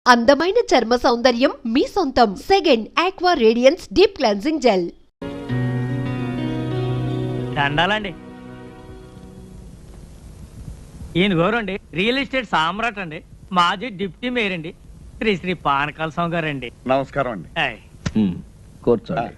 అందమైన చర్మ సౌందర్యం మీ సొంతం. Second aqua radiance deep cleansing gel. దండాలండి. ఈయన గౌరండి రియల్ ఎస్టేట్ సామ్రాట్ అండి, మాజీ డిప్యూటీ మేయర్ అండి, శ్రీ శ్రీ పానకాల స్వామి గారండి. నమస్కారం అండి. కూర్చోండి.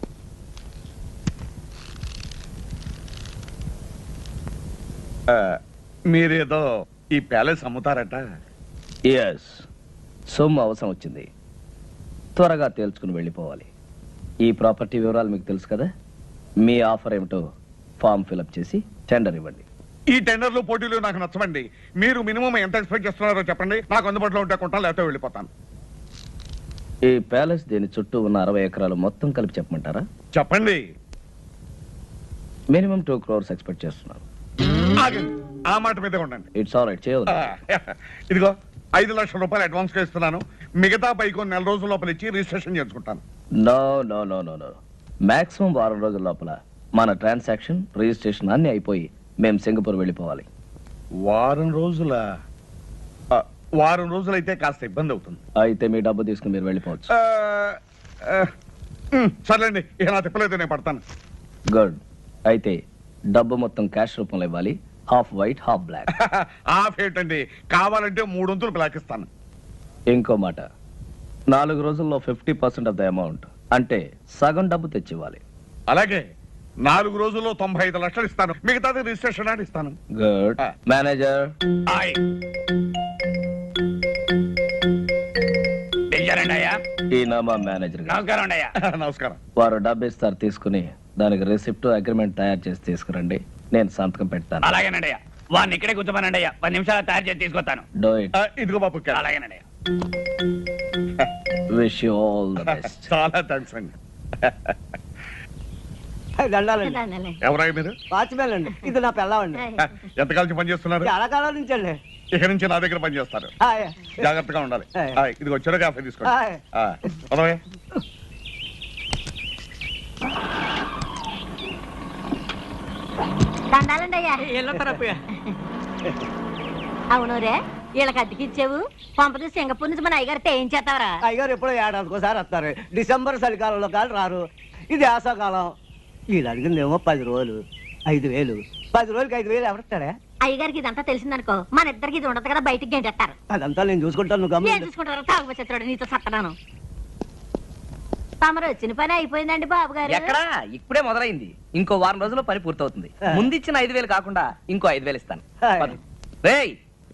మీరేదో ఈ ప్యాలెస్ అమ్ముతారట? ఎస్, సొమ్ము అవసరం వచ్చింది, త్వరగా తేల్చుకుని వెళ్ళిపోవాలి. ఈ ప్రాపర్టీ వివరాలు మీకు తెలుసు కదా. మీ ఆఫర్ ఏమిటో ఫామ్ ఫిలప్ చేసి టెండర్ ఇవ్వండి. ఈ టెండర్లు పోటీలు నాకు నచ్చవండి. మీరు మినిమం ఎంత ఎక్స్పెక్ట్ చేస్తున్నారో చెప్పండి, నాకు అందుబాటులో ఉంటే కొంటాను, లేకపోతే వెళ్ళిపోతాను. ఈ ప్యాలెస్ దీని చుట్టూ ఉన్న 60 ఎకరాలు మొత్తం కలిపి చెప్పమంటారా? చెప్పండి. మినిమం 2 crores ఎక్స్పెక్ట్ చేస్తున్నాను. ఆగండి, ఆ మాట మీద ఉండండి. ఇట్స్ ఆల్ రైట్, చేయదు. ఇదిగో 5 లక్షల రూపాయలు అడ్వాన్స్ గా ఇస్తున్నాను. మిగతా పైకి 4 రోజుల లోపల ఇచ్చి రిజిస్ట్రేషన్ చేసుకుంటాను. No no no no no, maximum 1 రోజుల లోపల మన ట్రాన్సాక్షన్ రిజిస్ట్రేషన్ అన్ని అయిపోయి మేము సింగపూర్ వెళ్ళిపోవాలి. వారం రోజులు అయితే కాస్త ఇబ్బంది అవుతుంది. అయితే మీ డబ్బు తీసుకుని మీరు వెళ్ళిపోవచ్చు. సర్లేండి, ఇక నా తిప్పలేదు, నేను పడతాను. గుడ్. అయితే డబ్బు మొత్తం క్యాష్ రూపంలో ఇవ్వాలి, half white half black. Half ఏంటండి, కావాలంటే 3 వంతులు బ్లాక్ ఇస్తాను. ఇంకో మాట, 4 రోజుల్లో 50% ఆఫ్ ద అమౌంట్, అంటే సగం డబ్బు తెచ్చివ్వాలి. అలాగే 4 రోజుల్లో 95 లక్షలు ఇస్తాను, మిగతాది రిజిస్ట్రేషన్ అని ఇస్తాను. గుడ్. మేనేజర్. ఈయన మా మేనేజర్ గారు. నమస్కారం. వారు డబ్బు ఇస్తారు, తీసుకుని దానికి రిసిప్ట్ అగ్రిమెంట్ తయారు చేసి తీసుకురండి, నేను సంతకం పెడతాను. అలాగేనండయ్యా, వాడిని ఇక్కడే కూర్చోమనండయ్యా, 10 నిమిషాలు తయారు చేసి తీసుకొస్తాను. Do it. ఇదిగో బాబు. అలాగేనండయ్యా. Wish you all the best. చాలా థ్యాంక్స్ అండి. దండాలండి. ఎవరై మీరు? వాచ్మెన్ అండి. ఇది నా పిల్లవండి. ఎంతకాలం పని చేస్తున్నారు? చాలా కాలం నుంచి అండి. ఇక నుంచి నా దగ్గర పని చేస్తారు, జాగ్రత్తగా ఉండాలి. ఇదిగో చెడు కాఫీ తీసుకోండి. దండాలండి అయ్యా. అవును రే, వీళ్ళకి అద్దెకిచ్చావు, పంపది సింగపూర్ నుంచి మన అయ్యగారితో ఏం చేస్తావరా? అయ్యగారు ఎప్పుడో ఏడాదికోసారి వస్తారు. డిసెంబర్ చలికాలంలో కాదు రారు. ఇది ఆశాకాలం. వీళ్ళు అడిగిందేమో 10 రోజులు 5,000. 10 రోజులకి 5,000 ఎవరిస్తాడా? అయ్యగారికి ఇదంతా తెలిసిందనుకో, మన ఇద్దరికి ఇది ఉండదు కదా, బయటికి గంటేస్తారు. అదంతా నేను చూసుకుంటాను, నువ్వు ఏం గమనించు. చూసుకుంటారు? తాగుబోతున్నాడు, నీతో సత్తనాను. తమరు వచ్చిన పని అయిపోయిందండి బాబు గారు. ఎక్కడా, ఇప్పుడే మొదలైంది. ఇంకో 1 రోజుల్లో పని పూర్తవుతుంది. ముందిచ్చిన 5,000 కాకుండా ఇంకో 5,000 ఇస్తాను. రేయ్,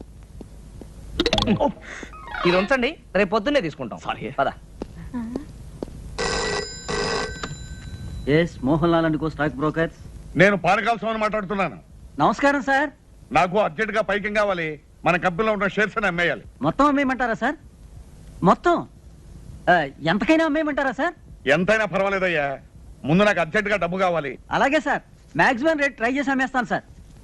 ఇది ఉంచండి, రేపు పొద్దున్నే తీసుకుంటాం. పద. Mohan Lal and co stock brokers. నేను పానకాల స్వామిని మాట్లాడుతున్నాను. నమస్కారం సార్. నాకు అర్జెంట్ గా పైకి కావాలి. మన కంపెనీలో ఉన్న షేర్స్ అని అమ్మేయాలి. మొత్తం అమ్మేయమంటారా సార్? మొత్తం ఎంతకైనా అమ్మేయమంటారా సార్? ఎంతైనా పర్వాలేదయ్యా, ముందు నాకు అర్జెంట్ గా డబ్బు కావాలి. అలాగే సార్, మాక్సిమం రేట్ ట్రై చేసి అమ్మేస్తాను సార్.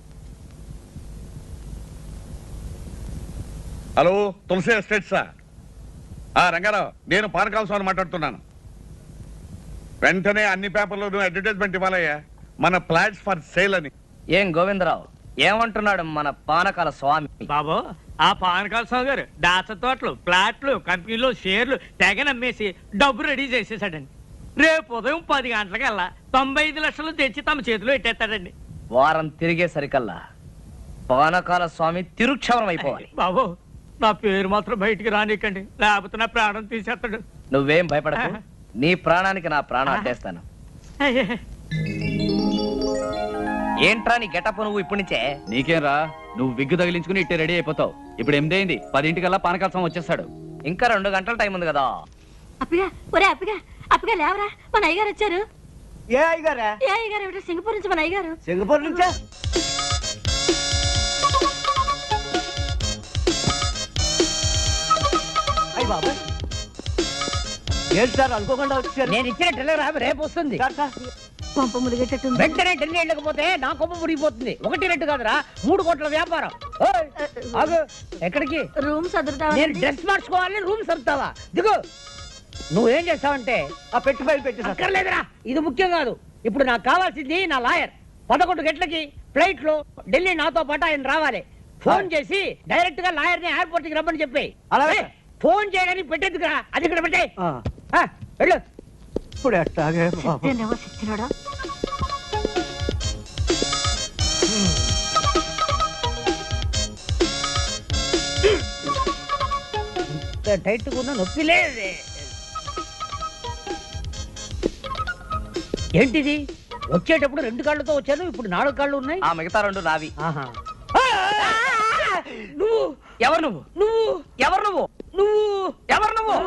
హలో, తులసి ఎస్టేట్సా? రంగారావు, నేను పానకాల స్వామిని మాట్లాడుతున్నాను. వెంటనే అన్ని పేపర్లోనూ అడ్వర్టైజ్మెంట్ ఇవ్వాలయ్యా, మన ఫ్లాట్స్ ఫర్ సేల్ అని. ఏం గోవిందరావు, ఏమంటున్నాడు మన పానకాల స్వామి? బాబు, ఆ పానకాల స్వామి గారు దాచ తోటలు, ప్లాట్లు, కంపెనీలు, షేర్లు తెగ నమ్మేసి డబ్బు రెడీ చేసేసాడండి. రేపు ఉదయం 10 గంటలకల్లా 95 లక్షలు తెచ్చి తమ చేతిలో పెట్టేస్తాడండి. వారం తిరిగేసరికల్లా పానకాల స్వామి తిరుక్షవరం అయిపోవాలి. బాబు, నా పేరు మాత్రం బయటికి రానికండి, లేకపోతే నా ప్రాణం తీసేస్తాడు. నువ్వేం భయపడకు, నీ ప్రాణానికి నా ప్రాణం అడ్డేస్తాను. ఏంట్రా నీ గెటప్ నువ్వు ఇప్పటి నుంచే? నీకేం రా, నువ్వు విగ్గు తగిలించుకుని ఇట్టే రెడీ అయిపోతావు. ఇప్పుడు 8 అయింది, 10 పానకాల స్వామి వచ్చేస్తాడు. ఇంకా 2 గంటల టైం ఉంది కదా. అప్పిగా, ఒరే అప్పిగా, అప్పిగా లేవరా, మన అయ్యగారు వచ్చారు. ఏ అయ్యగారా? ఏ అయ్యగారు ఏమిటో, సింగపూర్ నుంచి మన అయ్యగారు. సింగపూర్ నుంచా? అయ్యి బాబా, ఏంటి సార్ అనుకోకుండా వచ్చారు? నేను ఇచ్చిన టెలిగ్రామ్ రేపు వస్తుంది. పంప ములిగేటట్టు వెంటనే ఢిల్లీ వెళ్ళకపోతే నా కొమ్మ మురిగిపోతుంది. 1 రెట్టు కాదురా, 3 కోట్ల వ్యాపారం. ఎక్కడికి? రూమ్ సదురుతా. నేను డ్రెస్ మార్చుకోవాలని రూమ్ సర్దుతావా? దిగు. నువ్వేం చేస్తావంటే ఆ పెట్టి ఫైల్ పెట్టి అక్కర్లేదురా, ఇది ముఖ్యం కాదు. ఇప్పుడు నాకు కావాల్సింది నా లాయర్. 11 గంటలకి ఫ్లైట్ లో ఢిల్లీ నాతో పాటు ఆయన రావాలి. ఫోన్ చేసి డైరెక్ట్ గా లాయర్ ని ఎయిర్పోర్ట్ కి రమ్మని చెప్పి. అలాగే ఫోన్ చేయడానికి పెట్టేందుకురా, అది ఇక్కడ పెట్టే. వెళ్ళు. ఇప్పుడు ఎట్టాగే బాబు. సచ్చినాడా టైట్ కూడా నొప్పి లేదే. ఏంటిది? వచ్చేటప్పుడు 2 కాళ్ళతో వచ్చాను, ఇప్పుడు 4 కాళ్ళు ఉన్నాయి. ఆ మిగతా 2 నావి. నువ్వు ఎవరు నువ్వు? నువ్వు ఎవరు నువ్వు? నువ్వు ఎవరు నువ్వు?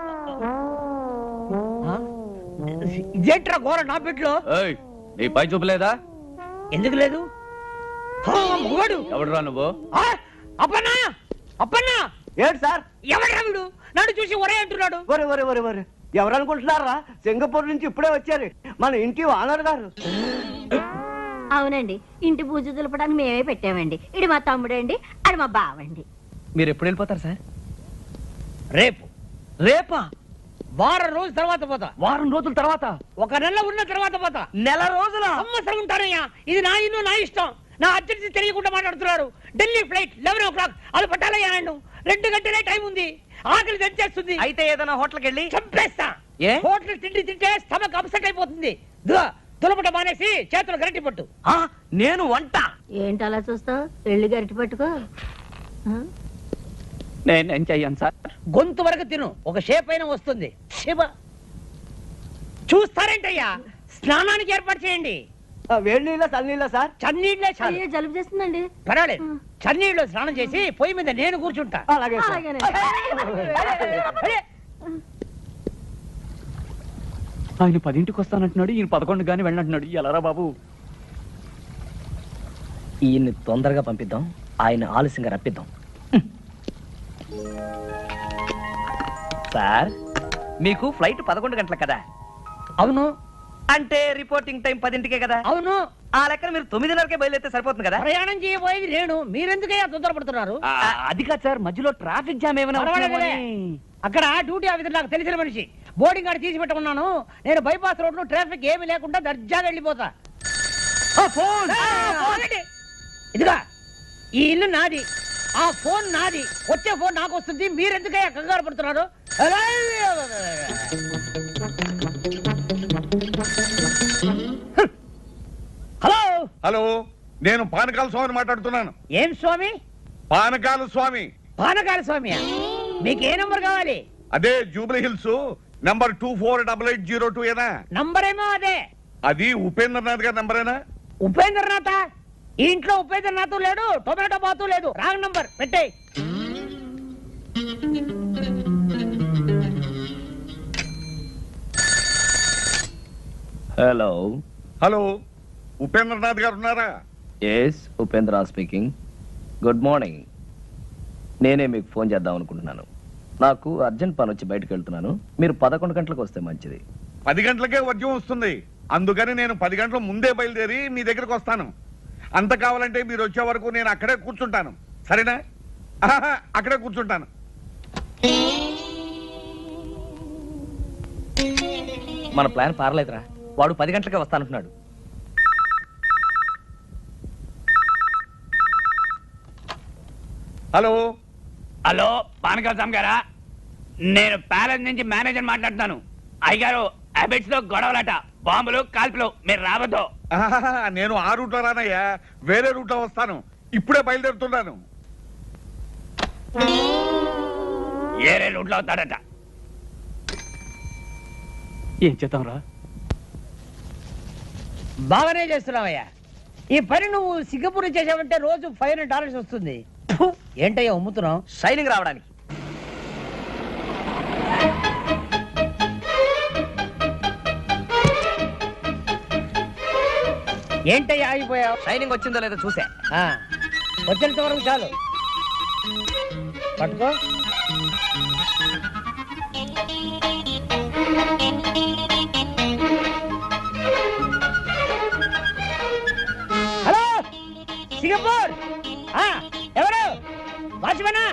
ఇదేంట్రా ఘోర నా పెట్లో? ఏయ్, నీ పై చూపలేదా? ఎందుకు లేదు? మగవాడు ఎవడురా నువ్వు? అప్పన్నా, అప్పన్నా, ఏంటి సార్? ఎవడ్రా వీడు? నన్ను చూసి ఒరే అంటున్నాడు. ఒరే ఒరే ఒరే ఒరే, ఎవరు అనుకుంటున్నారా? సింగపూర్ నుంచి ఇప్పుడే వచ్చారు మన ఇంటి ఓనర్ గారు. అవునండి, ఇంటి పూజ దులపడానికి మేమే పెట్టామండి. ఇది మా తమ్ముడండి, అది మా బావండి. మీరు ఎప్పుడు వెళ్ళిపోతారు సార్? రేపు. రేపా? వారం రోజుల తర్వాత పోతా. వారం రోజుల తర్వాత? 1 నెల ఉన్న తర్వాత పోతా. నెల రోజుల? సంవత్సరం ఉంటానయ్యా. ఇది నా ఇల్లు, నా ఇష్టం. నా అర్జెన్సీ తెలియకుండా మాట్లాడుతున్నారు. Delhi flight 11 o'clock. అది పట్టాలయ్యా నన్ను. 2 గంటలే టైం ఉంది. ఆకలి తెచ్చేస్తుంది. అయితే ఏదైనా హోటల్కి వెళ్ళి చంపేస్తా. ఏ? హోటల్ తిండి తింటే స్టమక్ అప్సెట్ అయిపోతుంది. దులపట మానేసి చేతులు గరటి పట్టు. నేను వంట. ఏంటి అలా చూస్తావు? వెళ్ళి గరిటి పట్టుకో. నేనేం చెయ్యను సార్. గొంతు వరకు తిను, ఒక షేప్ అయినా వస్తుంది. శివ చూస్తారేంటయ్యా? స్నానానికి ఏర్పాటు చేయండి. వేడి నీళ్ళ చన్నీళ్ళ సార్? చన్నీళ్ళే చాలు. అయ్యో, జలుబు చేస్తుందండి. పర్వాలేదు, చన్నీళ్ళు స్నానం చేసి పొయ్యి మీద నేను కూర్చుంటా. అలాగే సార్. అరే, ఆయన 10ంటికి వస్తానంటున్నాడు, ఈయన 11 గాని వెళ్ళంటున్నాడు. ఎలారా బాబు? ఈయన్ని తొందరగా పంపిద్దాం, ఆయన ఆలస్యంగా రప్పిద్దాం. సార్, మీకు ఫ్లైట్ 11 గంటలకు కదా? అవును. అంటే రిపోర్టింగ్ టైం 10ంటికే కదా? అవును. ఆ లెక్కన మీరు 9:30కే బయలుదేరితే సరిపోతుంది కదా? ప్రయాణం చేయబోయేది నేను, మీరెందుకయ్యా తొందరపడుతున్నారు? అది కాదు సార్, మధ్యలో ట్రాఫిక్ జామ్ ఏమైనా పర్వాలేదులే. అక్కడ డ్యూటీ ఆఫీసర్ నాకు తెలిసిన మనిషి, బోర్డింగ్ కార్డు తీసి పెట్టుకున్నాను. నేను బైపాస్ రోడ్ లో ట్రాఫిక్ ఏమీ లేకుండా దర్జాగా వెళ్ళిపోతా. ఇదిగా, ఈ ఇల్లు నాది, ఆ ఫోన్ నాది. వచ్చే ఫోన్ నాకు వస్తుంది. మీరెందుకయ్యా కంగారు పడుతున్నారు? హలో హలో, నేను పానకాల స్వామిని మాట్లాడుతున్నాను. ఏం స్వామి? పానకాల స్వామి. పానకాల స్వామి, మీకు ఏ నంబర్ కావాలి? అదే జూబ్లీ హిల్స్ నంబర్ 248802 ఏనా? నంబర్ ఏమో అదే. అది ఉపేంద్రనాథ్ గారి నంబరేనా? ఉపేంద్రనాథ? ఈ ఇంట్లో ఉపేంద్రనాథ్ లేడు, టొమాటో బాతు లేదు. రాంగ్ నంబర్ పెట్టే. హలో. హలో, ఉపేంద్రనాథ్ గారు ఉన్నారా? Yes, Upendra speaking. Good morning. నేనే మీకు ఫోన్ చేద్దాం అనుకుంటున్నాను. నాకు అర్జెంట్ పని వచ్చి బయటకు వెళ్తున్నాను. మీరు 11 గంటలకు వస్తే మంచిది. 10 గంటలకే వర్జం వస్తుంది. అందుకని నేను 10 గంటల ముందే బయలుదేరి మీ దగ్గరకు వస్తాను. అంత కావాలంటే మీరు వచ్చే వరకు నేను అక్కడే కూర్చుంటాను. సరేనా? అక్కడే కూర్చుంటాను. మన ప్లాన్ పారలేదురా. వాడు 10 గంటలకే వస్తానంటున్నాడు. హలో. హలో, పానకాల స్వామి గారా? నేను ప్యాలెస్ నుంచి మేనేజర్ మాట్లాడుతాను. అయ్యగారు, హ్యాబిట్స్ లో గొడవలట, బాంబులు కాల్పులు, మీరు రావద్దు. నేను ఆ రూట్లో రానయ్యా, వేరే రూట్లో వస్తాను. ఇప్పుడే బయలుదేరుతున్నాను. ఏరే రూట్లో అవుతాడట. ఏం చేద్దాం రా? బాగానే చేస్తున్నావయ్యా. ఈ పని నువ్వు సింగపూర్ చేసావంటే రోజు $500 వస్తుంది. ఏంటయ్యా అమ్ముతున్నావు? షైనింగ్ రావడానికి. ఏంటయ్యా ఆగిపోయావు? షైనింగ్ వచ్చిందో లేదో చూసా. వచ్చేంత వరకు చాలు. పట్టుకో. హలో, సింగపూర్. ఎవరు? వాచ్మనా?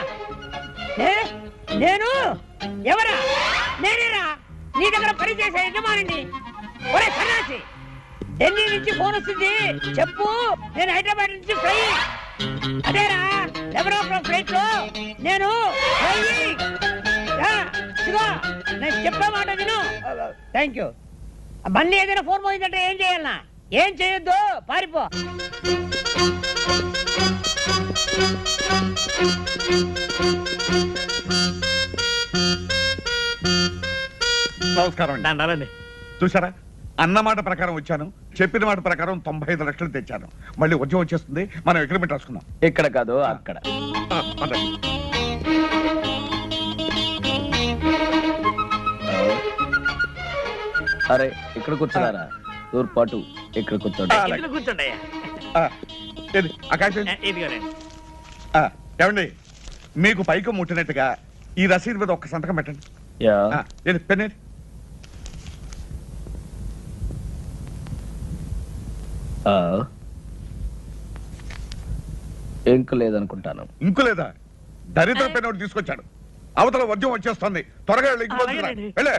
నేను ఎవరా? నేనేరా, నీ దగ్గర పని చేసే యజమానిని. ఒరే సన్నాసి, ఢిల్లీ నుంచి ఫోన్ వస్తుంది, చెప్పు. నేను హైదరాబాద్ నుంచి ఫ్లై. అదేరా, 11 o'clock ఫ్లైట్ లో నేను ఫ్లై. ఇదిగో నేను చెప్పే మాట విను. Thank you. మళ్ళీ ఏదైనా ఫోన్ పోయిందంటే ఏం చేయాలన్నా? ఏం చేయొద్దు, పారిపో. నమస్కారం అండి. దండాలండి. చూసారా, అన్న మాట ప్రకారం వచ్చాను, చెప్పిన మాట ప్రకారం 95 లక్షలు తెచ్చాను. మళ్ళీ ఉద్యోగం వచ్చేస్తుంది, మనం అగ్రిమెంట్ రాసుకుందాం. ఇక్కడ కాదు అక్కడ. పదండి. అరే ఇక్కడ కూర్చున్నారా? తూర్పాటు ఇక్కడ కూర్చోండి. ఇందులో కూర్చోండి అయ్యా. ఏది, ఆ కాగితం? ఇదిగోనండి. ఏమండి, మీకు పైకి ముట్టినట్టుగా ఈ రసీదు మీద ఒక్క సంతకం పెట్టండి. యా. ఏది, పెన్ ఏది? ఇంక లేదనుకుంటాను. ఇంకు లేదా? దరిద్ర పెన్ ఒకటి తీసుకొచ్చాడు. అవతల ఉద్యోగం వచ్చేస్తుంది, త్వరగా వెళ్ళి ఇంటికి పంపించరా. అలాగేనండి. వెళ్ళే.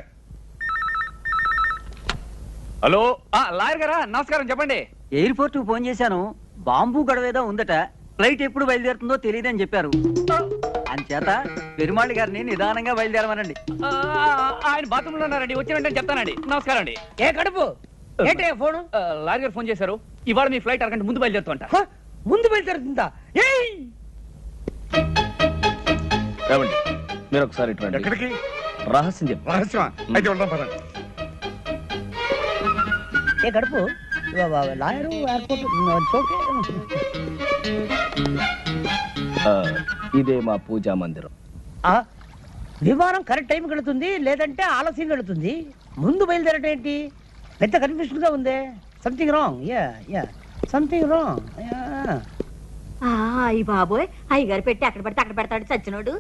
హలో లాయర్ గారా, నమస్కారం. చెప్పండి. ఎయిర్పోర్ట్ కు ఫోన్ చేశాను, బాంబు గడవేదో ఉందట, ఫ్లైట్ ఎప్పుడు బయలుదేరుతుందో తెలియదని చెప్పారు. అంచేత పెరుమాళి గారిని నిదానంగా బయలుదేరమనండి. ఆయన బాత్రూమ్ లో ఉన్నారండి, వచ్చి వెంటనే చెప్తానండి. నమస్కారం అండి. ఏ కడుపు ఏంటి ఫోను? లాయర్ గారు ఫోన్ చేశారు, ఇవాళ మీ ఫ్లైట్ అరగంట ముందు బయలుదేరుతుంట. ముందు బయలుదేరుతుందా? ఏమండి, మీరు ఒకసారి ఇటు రండి. ఎక్కడికి? రహస్యం చెప్పు. రహస్యమా? అయితే వెళ్దాం పదండి. ఏ కడుపు లాయరు ఎయిర్పోర్ట్ ఓకే. ఇదే మా పూజా మందిరం. విమానం కరెక్ట్ టైం వెళుతుంది, లేదంటే ఆలస్యం వెళుతుంది. ముందు బయలుదేరటం ఏంటి? పెద్ద కన్ఫ్యూషన్ గా ఉంది. Something wrong. Yeah something wrong. అయ్యి బాబోయ్, అయ్యగారు పెట్టి అక్కడ పడితే అక్కడ పెడతాడు చచ్చినోడు.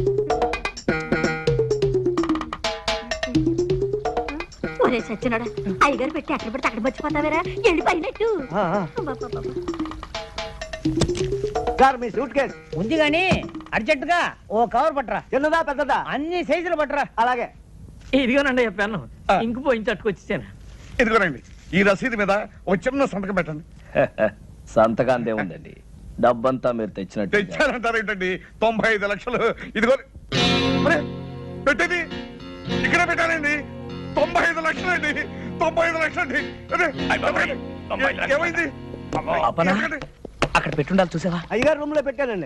ఒరే చచ్చినోడా, అయ్యగారు పెట్టి అక్కడ పడితే అక్కడ మర్చిపోతావేరా, వెళ్ళిపోయినట్టు. సార్ మీ సూట్ కేస్ ఉంది గాని అర్జెంట్ గా ఓ కవర్ పట్టరా. చిన్నదా పెద్దదా? అన్ని సైజులు పట్టరా. అలాగే. ఇదిగోనండి చెప్పాను, ఇంకు పోయి తట్టుకొచ్చేసాను. ఇదిగోనండి, ఈ రసీదు మీద ఒక చిన్న సంతకం పెట్టండి. సంతకాందే ఉందండి, డబ్బంతా మీరు తెచ్చినట్టు. తెచ్చారంటారు ఏంటండి? 95 లక్షలు. ఇదిగో పెట్టేది ఇక్కడ పెట్టానండి. 95 లక్షలు అండి. 95 లక్షలు అండి. ఏమైంది? అప్పనా? అక్కడ పెట్టుండాలి, చూసావా? అయ్యగారు రూమ్ లో పెట్టానండి.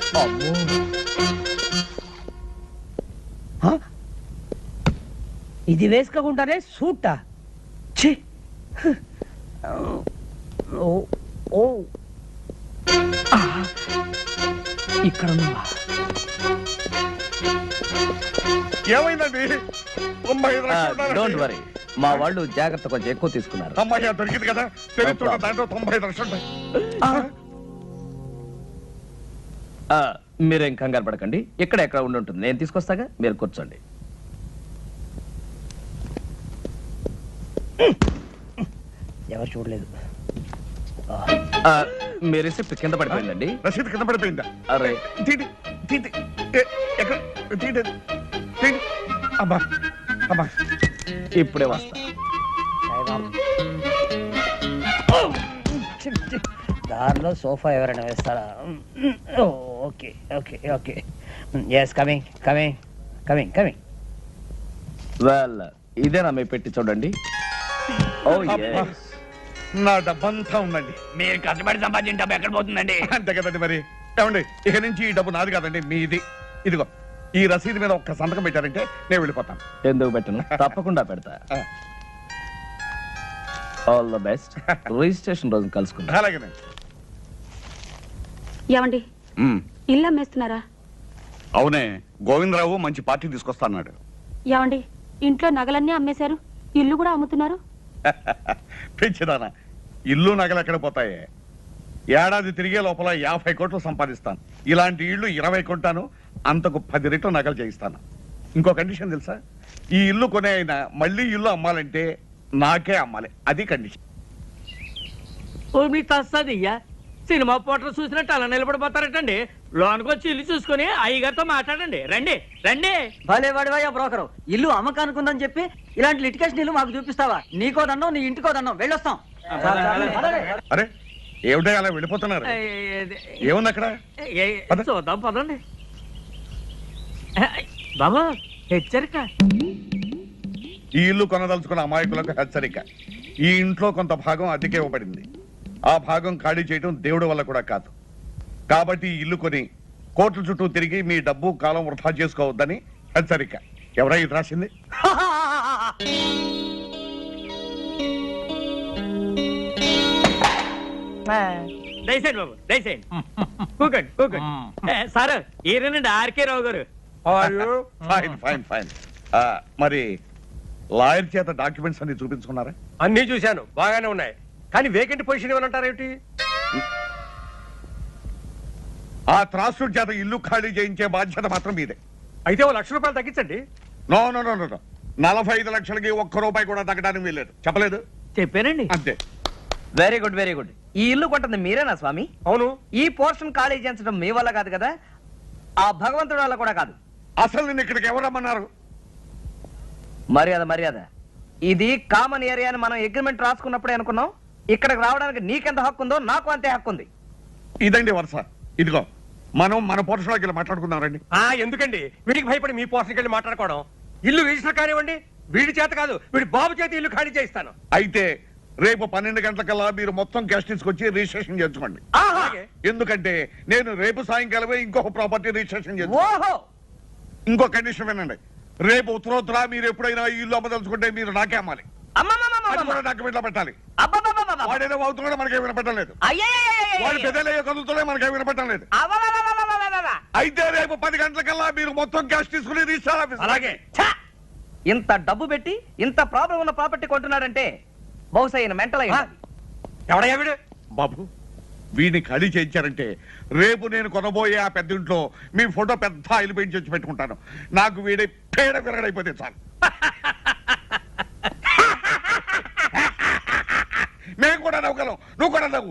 ఇది వేసుకోకుండానే సూటా? ఛీ! ఓ ఇక్కడ ఉన్నావా? ఏమైందండి? 95 లక్షలు. డోంట్ వరీ, మా వాళ్ళు జాగ్రత్త కొంచెం ఎక్కువ తీసుకున్నారు. అమ్మాయి దొరికింది కదా, తెలుస్తుంటే దాంట్లో 95 లక్షలు ఉంటాయి. మీరేం కంగారు పడకండి, ఇక్కడ ఎక్కడ ఉండి ఉంటుంది, నేను తీసుకొస్తాగా, మీరు కూర్చోండి. ఎవరు చూడలేదు. మీ రిసిప్ట్ కింద పడిపోయిందండి. రసీదు కింద పడిపోయిందా? అరే తీటి తీటి. ఎక్కడ? తీటి తీటి. అబ్బా అబ్బా, ఇప్పుడే వస్తా. దారిలో సోఫా ఎవరైనా వేస్తారా? Okay okay okay. Yes, coming coming coming coming. Well, ఇదేనా మీ పెట్టి చూడండి. ఓ yes. నా డబ్బంతా ఉందండి. మీరు కష్టపడి సంపాదించిన డబ్బు ఎక్కడ పోతుందండి? అంతే కదండి మరి. ఏమండి, ఇక నుంచి ఈ డబ్బు నాది కాదండి, మీది. ఇదిగో ఈ రసీదు మీద ఒక్క సంతకం పెట్టారంటే నేను వెళ్ళిపోతాను. ఎందుకు పెట్టను, తప్పకుండా పెడతా. All the best. రిజిస్ట్రేషన్ రోజు కలుసుకుందాం. అలాగేనండి. ఏమండి, ఇల్లు అమ్మేస్తున్నారా? అవునే, గోవిందరావు మంచి పార్టీ తీసుకొస్తాడు. ఏమండి, ఇంట్లో నగలన్నీ అమ్మేశారు, ఇల్లు కూడా అమ్ముతున్నారు. పెంచిదానా, ఇల్లు నగలు ఎక్కడ పోతాయి? ఏడాది తిరిగే లోపల 50 కోట్లు సంపాదిస్తాను. ఇలాంటి ఇళ్ళు 20 కొంటాను, అంతకు 10 రెట్లు నగలు చేయిస్తాను. ఇంకో కండిషన్ తెలుసా? ఈ ఇల్లు కొనే అయినా మళ్ళీ ఇల్లు అమ్మాలంటే నాకే అమ్మాలి, అది కండిషన్. మీ తస్తదియ్యా, సినిమా పోటర్ చూసినట్టు అలా నిలబడిపోతారటండి. లోనికి వచ్చి ఇల్లు చూసుకుని అయ్యగారితో మాట్లాడండి. రండి రండి. భలే వాడివయ్యా బ్రోకరు, ఇల్లు అమ్మకానుకుందని చెప్పి ఇలాంటి లిటికేషన్ ఇల్లు మాకు చూపిస్తావా? నీకో దండం, నీ ఇంటికో దండం, వెళ్ళొస్తాం. అరే ఏమిటో అలా వెళ్ళిపోతున్నారు? ఏముంది అక్కడ? చూద్దాం పదండి. బాబా హెచ్చరిక. ఈ ఇల్లు కొనదలుచుకున్న అమాయకులకు హెచ్చరిక. ఈ ఇంట్లో కొంత భాగం అద్దెకే ఇవ్వబడింది. ఆ భాగం ఖాళీ చేయడం దేవుడి వల్ల కూడా కాదు. కాబట్టి ఈ ఇల్లు కొని కోట్ల చుట్టూ తిరిగి మీ డబ్బు కాలం వృధా చేసుకోవద్దని హెచ్చరిక. ఎవరై ఇది రాసింది? దయచేయండి బాబు, దయచేయండి. కూకండి, కూకండి. Sir ఈయనండి RK Rao garu. Fine fine fine. మరి లాయర్ చేత డాక్యుమెంట్స్ అన్ని చూపించుకున్నారా? అన్ని చూశాను, బాగానే ఉన్నాయి. కానీ వేకెంట్ పొజిషన్ ఏమంటారేమిటి? ఆ త్రాసుడి చేత ఇల్లు ఖాళీ చేయించే బాధ్యత మాత్రం మీదే. అయితే ఓ ₹1,00,000 తగ్గించండి. నో నో నో నో 45 లక్షలకి ₹1 కూడా తగ్గడానికి వీల్లేదు. చెప్పలేదు? చెప్పానండి. అంతే. Very good, very good. ఈ ఇల్లు కొంటుంది మీరేనా స్వామి? అవును. ఈ పోర్షన్ ఖాళీ చేయించడం మీ వల్ల కాదు కదా, ఆ భగవంతుడి వల్ల కూడా కాదు. అసలు నిన్ను ఇక్కడికి ఎవరు రమ్మన్నారు? మర్యాద మర్యాద. ఇది కామన్ ఏరియా అని మనం అగ్రిమెంట్ రాసుకున్నప్పుడే అనుకున్నాం. ఇక్కడికి రావడానికి నీకెంత హక్కు ఉందో నాకు అంతే హక్కు ఉంది. ఇదండి వరుస. ఇదిగో మనం మన పోర్షన్లోకి వెళ్ళి మాట్లాడుకుందాం రండి. ఎందుకండి వీడికి భయపడి మీ పోర్షన్కి వెళ్ళి మాట్లాడుకోవడం? ఇల్లు రిజిస్టర్ కానివ్వండి. వీడి చేత కాదు, వీడి బాబు చేత ఇల్లు ఖాళీ చేయిస్తాను. అయితే రేపు 12 గంటలకల్లా మీరు మొత్తం క్యాష్ తీసుకొచ్చి రిజిస్ట్రేషన్ చేసుకోండి. ఎందుకంటే నేను రేపు సాయంకాలమే ఇంకొక ప్రాపర్టీ రిజిస్ట్రేషన్ చేస్తాను. ఇంకో కండిషన్ వినండి. రేపు ఉత్తరోత్తర మీరు ఎప్పుడైనా ఈ ఇల్లు అమ్మదలుచుకుంటే మీరు నాకే అమ్మాలి. డాక్యుమెంట్లో పెట్టాలి. వాడేదో అవుతున్నాడో మనకే వినపడటం లేదు. వాడు పెద్దలయ్యో కదులుతుండే మనకే వినపడటం లేదు. అయితే రేపు 10 గంటలకల్లా మీరు మొత్తం క్యాష్ తీసుకుని రిజిస్టర్ ఆఫీస్. అలాగే. ఇంత డబ్బు పెట్టి ఇంత ప్రాబ్లం ఉన్న ప్రాపర్టీ కొంటున్నాడంటే బహుశా ఈయన మెంటల్ అయ్యి. ఎవడయ్యా వీడు? బాబు, వీడిని ఖాళీ చేయించారంటే రేపు నేను కొనబోయే ఆ పెద్ద ఇంట్లో మీ ఫోటో పెద్ద ఆయిల్ పెయింట్ చేసి పెట్టుకుంటాను. నాకు వీడి పేడ విరగడైపోతే చాలు. మేము కూడా నవ్వుగలం, నువ్వు కూడా నవ్వు.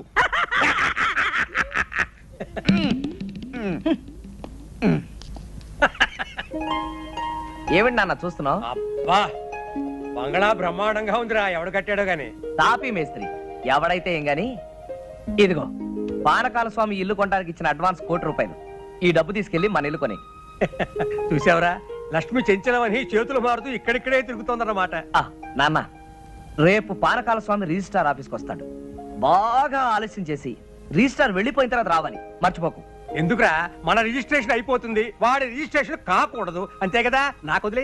ఏమిటి నాన్న చూస్తున్నావు? అబ్బా, బంగళా బ్రహ్మాండంగా ఉందిరా. ఎవడు కట్టాడో గాని. తాపీ మేస్త్రి ఎవడైతే ఏం గాని. ఇదిగో పానకాల స్వామి ఇల్లు కొనడానికి ఇచ్చిన అడ్వాన్స్ ₹1,00,000. ఈ డబ్బు తీసుకెళ్లి మన ఇల్లు కొని. చూసావరా, లక్ష్మి చెంచలమని చేతులు మారుతూ ఇక్కడిక్కడే తిరుగుతోందన్నమాట. నాన్న, రేపు పానకాల స్వామి రిజిస్ట్రార్ ఆఫీస్కి వస్తాడు. బాగా ఆలస్యం చేసి రిజిస్ట్రార్ వెళ్ళిపోయిన తర్వాత రావాలి, మర్చిపోకు. ఎందుకురా, మన రిజిస్ట్రేషన్ అయిపోతుంది, వాడి రిజిస్ట్రేషన్ కాకూడదు. అంతే కదా, నాకు వదిలే.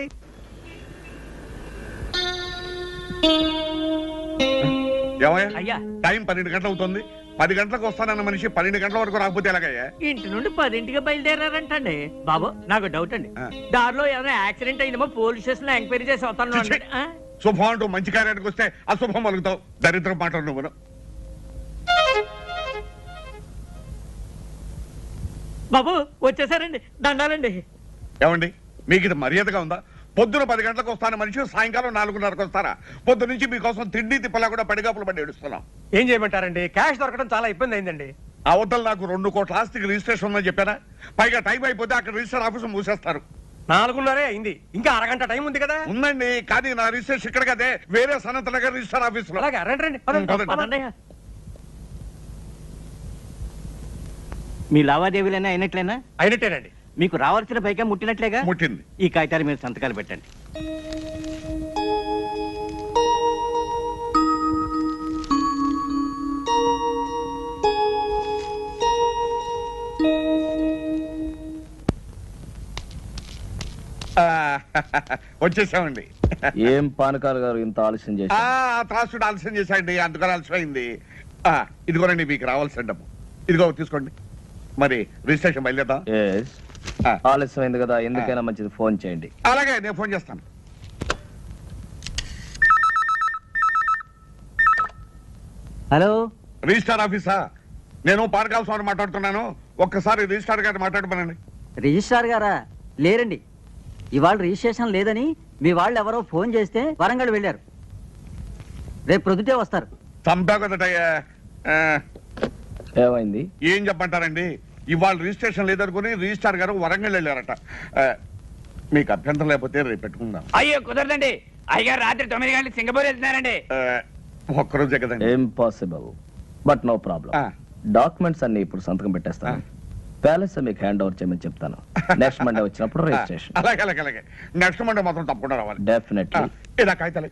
అయ్యా, టైం 12 గంటలు అవుతుంది. 10 గంటలకు వస్తానన్న మనిషి 12 గంటల వరకు రాకపోతే ఎలాగయ్యా? ఇంటి నుండి 10ంటికి బయలుదేరారంటండి. బాబు, నాకు డౌట్ అండి. దారిలో ఏదైనా యాక్సిడెంట్ అయిందేమో పోలీస్ స్టేషన్ లో ఎంక్వైరీ చేసి వస్తాను. శుభం అంటూ మంచి కార్యానికి వస్తే అశుభం పలుకుతావు. దరిద్రం మాటలు నువ్వు. బాబు వచ్చేసారండి, దండాలండి. ఏమండి, మీకు ఇది మర్యాదగా ఉందా? పొద్దున 10 గంటలకు వస్తాను మనిషి సాయంకాలం 4:30కు వస్తారా? పొద్దు నుంచి మీకోసం తిండి తిప్పలా కూడా పడిగాపులు పడి ఏడుస్తున్నాం. ఏం చేయమంటారండి, క్యాష్ దొరకడం చాలా ఇబ్బంది అయిందండి. అవతల నాకు 2 కోట్ల ఆస్తికి రిజిస్ట్రేషన్ ఉందని చెప్పారా? పైగా టైం అయిపోతే అక్కడ రిజిస్టర్ ఆఫీసు మూసేస్తారు. 4:30 అయింది, ఇంకా అరగంట టైం ఉంది కదా. ఉందండి, కానీ నా రిజిస్ట్రేషన్ ఇక్కడ కదే, వేరే సనత్ నగర్ రిజిస్టర్ ఆఫీసులో. అలాగే, రండి. మీ లావాదేవీలైనా అయినట్లేనా? అయినట్టేనండి. మీకు రావాల్సిన పైగా ముట్టినట్లేగా? ముట్టింది. ఈ కాగితాల మీద సంతకాలు పెట్టండి. వచ్చేసామండి. ఏం పానకాల గారు ఇంత ఆలస్యం చేసి? త్రాసుడు ఆలస్యం చేశాండి, అందుకని ఆలస్యం అయింది. ఇదిగోనండి మీకు రావాల్సిన డబ్బు. ఇదిగో తీసుకోండి. మరి రిజిస్ట్రేషన్ బయలుదేద్దాం. ఆలస్యం అయింది కదా, ఎందుకైనా మంచిది ఫోన్ చేయండి. అలాగే, నేను ఫోన్ చేస్తాను. హలో, రిజిస్టార్ ఆఫీసా? నేను పానకాల స్వామి మాట్లాడుతున్నాను. ఒక్కసారి రిజిస్టార్ గారిని మాట్లాడమనండి. రిజిస్ట్రార్ గారా? లేరండి, ఇవాళ రిజిస్ట్రేషన్ లేదని మీ వాళ్ళు ఎవరో ఫోన్ చేస్తే వరంగల్ వెళ్ళారు. రేపు ప్రొద్దుటే వస్తారు. చంపా కదటయ్యా. ఏమైంది? ఏం చెప్పంటారండి, ఇవాళ రిజిస్ట్రేషన్ లేదనుకుని రిజిస్టార్ గారు వరంగల్ వెళ్ళారట. మీకు అభ్యంతరం లేకపోతే రేపు పెట్టుకుందాం. అయ్యో కుదరదండి, అయ్యగారు రాత్రి 9 గంటలకు సింగపూర్ వెళ్తున్నారండి. ఒక్కరోజే కదండి. Impossible, but no problem. Documents అన్ని ఇప్పుడు సంతకం పెట్టేస్తాను. ప్యాలెస్ మీకు హ్యాండ్ ఓవర్ చేయమని చెప్తాను. నెక్స్ట్ మండే వచ్చినప్పుడు రిజిస్ట్రేషన్. అలాగే అలాగే అలాగే. నెక్స్ట్ మండే మాత్రం తప్పకుండా రావాలి. డెఫినెట్లీ. ఇలా కాగితాలే.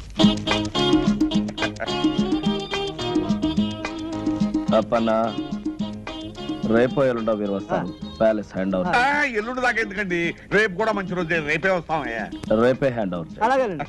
అప్పన్న రేపో ఎల్లుండో మీరు వస్తాను. Palace hand over. ఎల్లుండి దాకా ఎందుకండి, రేపు కూడా మంచి రోజు, రేపే వస్తామయ్యా. రేపే హ్యాండ్ ఓవర్. అలాగేనండి.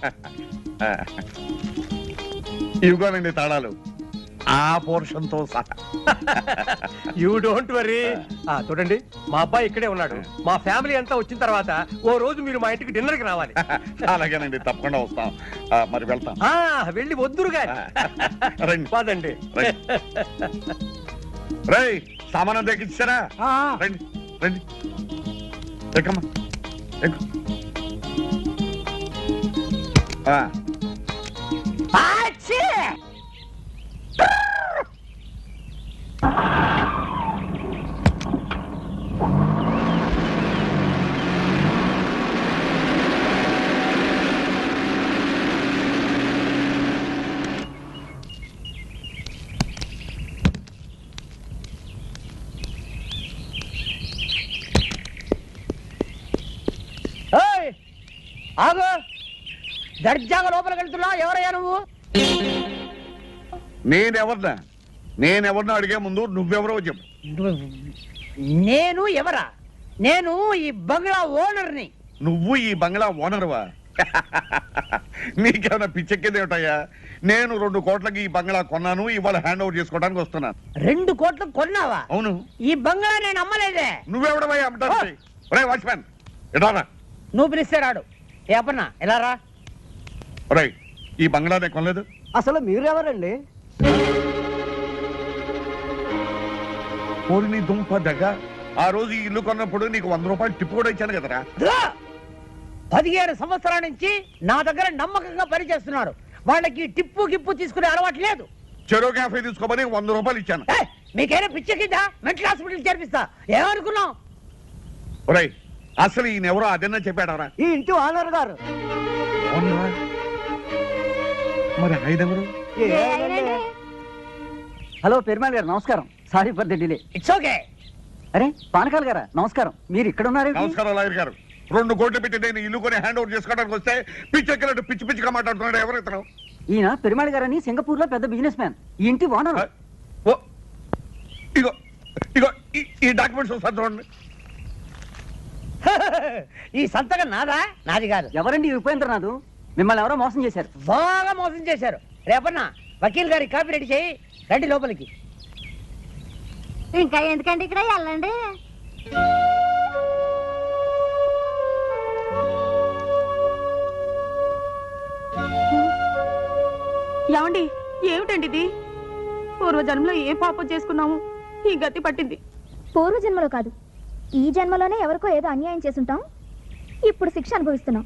ఇవిగోనండి తాళాలు, ఆ పోర్షన్ తో సహా. You don't worry. చూడండి, మా అబ్బాయి ఇక్కడే ఉన్నాడు. మా ఫ్యామిలీ అంతా వచ్చిన తర్వాత ఓ రోజు మీరు మా ఇంటికి డిన్నర్ కి రావాలి. అలాగేనండి, తప్పకుండా వస్తాం. మరి వెళ్తాం. వెళ్ళి వద్దురు గాని. రండి పదండి. రేయ్, సామానం దక్కించారా? రండి రండి, ఎక్కమ్మా ఎక్కు. ఆగు, దర్జాగా లోపలికి వెళ్తున్నా. ఎవరయ్యా నువ్వు? నేనెవరినా అడిగే ముందు నువ్వెవరో చెప్పు. నేను ఎవరా? నేను ఈ బంగ్లా ఓనర్ని. నువ్వు ఈ బంగ్లా ఓనర్వా? నీకేమైనా పిచ్చెక్కేదేమిటయ్యా? నేను 2 కోట్లకి ఈ బంగ్లా కొన్నాను, ఇవాళ హ్యాండ్ ఓవర్ చేసుకోవడానికి వస్తున్నాను. 2 కోట్లు కొన్నావా? అవును. ఈ బంగ్లా నేను అమ్మలేదే. నువ్వెవడవయ్యా అమ్మటానికి? ఒరేయ్ వాచ్మ్యాన్, ఎడారా? నువ్వు పిలిస్తే రాడు. ఏ అప్పన్నా, ఎలా రా? ఒరేయ్, ఈ బంగ్లా నేను కొనలేదు. అసలు మీరెవరండి? నీ దుంప దగ్గ, ఆ రోజు ఈ ఇల్లు కొన్నప్పుడు నీకు 100 రూపాయలు టిప్పు కూడా ఇచ్చాను కదరా. 15 సంవత్సరాల నుంచి నా దగ్గర నమ్మకంగా పనిచేస్తున్నారు. వాళ్ళకి టిప్పు గిప్పు తీసుకునే అలవాటు లేదు. చెరో క్యాఫే తీసుకోమని 100 రూపాయలు ఇచ్చాను. మీకైనా పిచ్చెక్కిందా? Mental hospital చేర్పిస్తా. ఏమనుకున్నావు? ఒరేయ్, అసలు ఈయనెవరో అదన్నా చెప్పాడరా? ఈ ఇంటి ఓనర్ గారు. మరి ఆయనెవరు? హలో పెరుమాళ్ గారు, నమస్కారం. Sorry for the delay. It's okay. అరే పానకాల్ గారా, నమస్కారం. మీరు ఇక్కడ ఉన్నారు? నమస్కారం లాయర్ గారు. 2 కోట్లు పెట్టి నేను ఇల్లు కొని హ్యాండ్ ఓవర్ చేసుకోవడానికి వస్తే పిచ్చెక్కినట్టు పిచ్చి పిచ్చిగా మాట్లాడుతున్నాడు. ఎవరు ఇతను? ఈయన పెరుమాళ్ గారని సింగపూర్ లో పెద్ద బిజినెస్ మ్యాన్. ఈ ఇంటి ఓనర్. ఇగో ఇగో ఈ డాక్యుమెంట్స్ ఒకసారి చూడండి. ఈ సంతకం నాదా? నాది కాదు. ఎవరండి ఉపేంద్రనాథ్? మిమ్మల్ని ఎవరో మోసం చేశారు. బాగా మోసం చేశారు. రేపన్నా వకీల్ గారి కాపీ రెడీ చేయి. రండి లోపలికి. ఇంకా ఎందుకండి ఇక్కడ, వెళ్ళండి. ఏమండి, ఏమిటండి ఇది? పూర్వజన్మలో ఏ పాపం చేసుకున్నాము, ఈ గతి పట్టింది. పూర్వజన్మలో కాదు, ఈ జన్మలోనే ఎవరికో ఏదో అన్యాయం చేసుంటాం. ఇప్పుడు శిక్ష అనుభవిస్తున్నాం.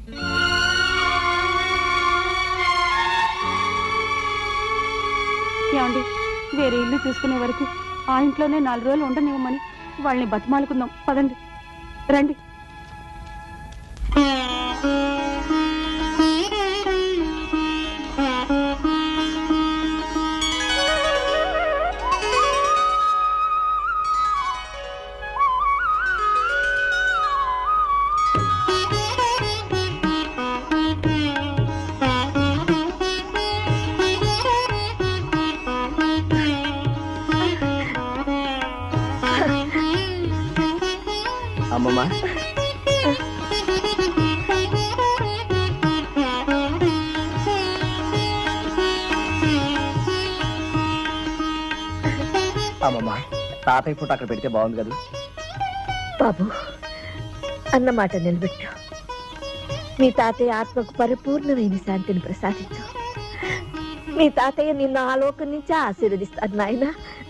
ఏమండి, వేరే ఇల్లు చూసుకునే వరకు ఆ ఇంట్లోనే 4 రోజులు ఉండనివ్వమని వాళ్ళని బతిమాలుకుందాం. పదండి, రండి. అమ్మమ్మ, అమ్మమ్మ, తాతయ్య ఫోటో అక్కడ పెడితే బాగుంది కదా. బాబు, అన్నమాట నిలబెట్టు. మీ తాతయ్య ఆత్మకు పరిపూర్ణమైన శాంతిని ప్రసాదించు. మీ తాతయ్య నిన్ను ఆలోకం నుంచి ఆశీర్వదిస్తాడు నాయన.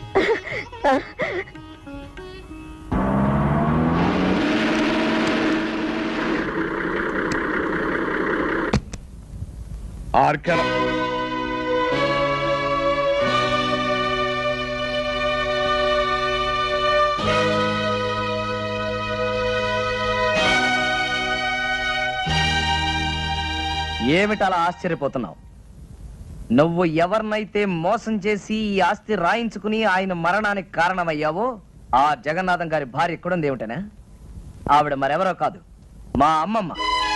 ఆర్కెల ఏమిటలా ఆశ్చర్యపోతున్నావు? నువ్వు ఎవరినైతే మోసం చేసి ఈ ఆస్తి రాయించుకుని ఆయన మరణానికి కారణమయ్యావో ఆ జగన్నాథం గారి భార్య ఎక్కడుంది ఏమిటనా? ఆవిడ మరెవరో కాదు, మా అమ్మమ్మ.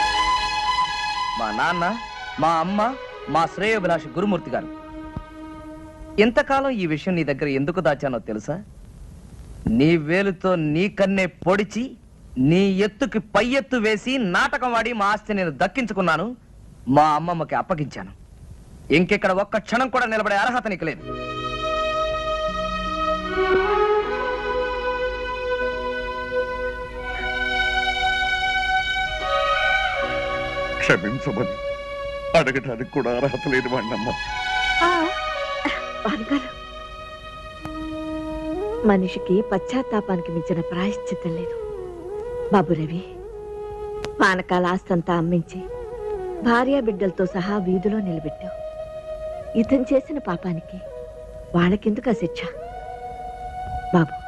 మా నాన్న, మా అమ్మ, మా శ్రేయోభిలాషి గురుమూర్తి గారు. ఇంతకాలం ఈ విషయం నీ దగ్గర ఎందుకు దాచానో తెలుసా? నీ వేలుతో నీ కన్నే పొడిచి నీ ఎత్తుకి పై ఎత్తు వేసి నాటకం వాడి మా ఆస్తి నేను దక్కించుకున్నాను, మా అమ్మమ్మకి అప్పగించాను. ఇంకెక్కడ ఒక్క క్షణం కూడా నిలబడే అర్హత నీకు లేదు. క్షమించమని అడగటానికి కూడా అర్హత లేని వాడినమ్మా. భానుగారు, మనిషికి పశ్చాత్తాపానికి మించిన ప్రాయశ్చిత్తం లేదు. బాబు రవి, పానకాల ఆస్తంతా అమ్మించి భార్య బిడ్డలతో సహా వీధిలో నిలబెట్టావు. ఇతను చేసిన పాపానికి వాళ్ళకెందుకు ఆ శిక్ష? బాబు,